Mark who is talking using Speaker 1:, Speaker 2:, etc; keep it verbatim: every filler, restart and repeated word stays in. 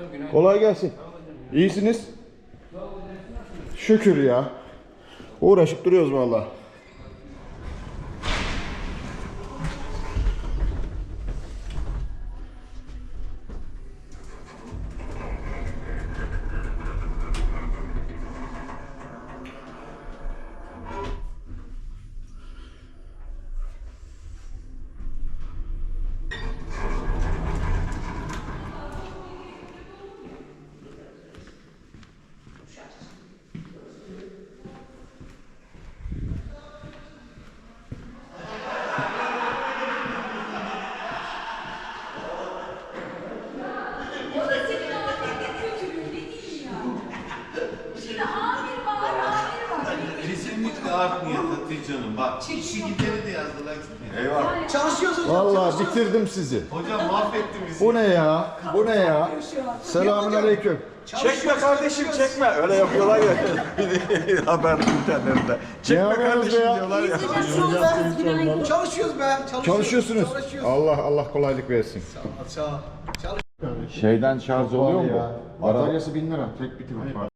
Speaker 1: Kolay gelsin. İyisiniz? Şükür ya. Uğraşıp duruyoruz vallahi.
Speaker 2: Kesinlikle artmıyor Hatice'nin. Bak işi gideri de yazdılar.
Speaker 1: Eyvallah.
Speaker 3: Çalışıyoruz hocam.
Speaker 1: Vallahi bitirdim sizi.
Speaker 2: Hocam mahvetti bizi.
Speaker 1: Bu ne ya? Bu ne ya? Selamünaleyküm.
Speaker 4: Çekme kardeşim çekme. Öyle yapıyorlar ya. Haber internette. Çekme kardeşim
Speaker 1: ya?
Speaker 4: diyorlar ya.
Speaker 3: Çalışıyoruz be. Çalışıyoruz.
Speaker 1: Çalışıyorsunuz.
Speaker 3: Çalışıyoruz.
Speaker 1: Allah Allah kolaylık versin.
Speaker 3: Sağ ol. Çalış.
Speaker 4: Şeyden şarj oluyor mu?
Speaker 1: Bataryası bin lira. Tek bitim var.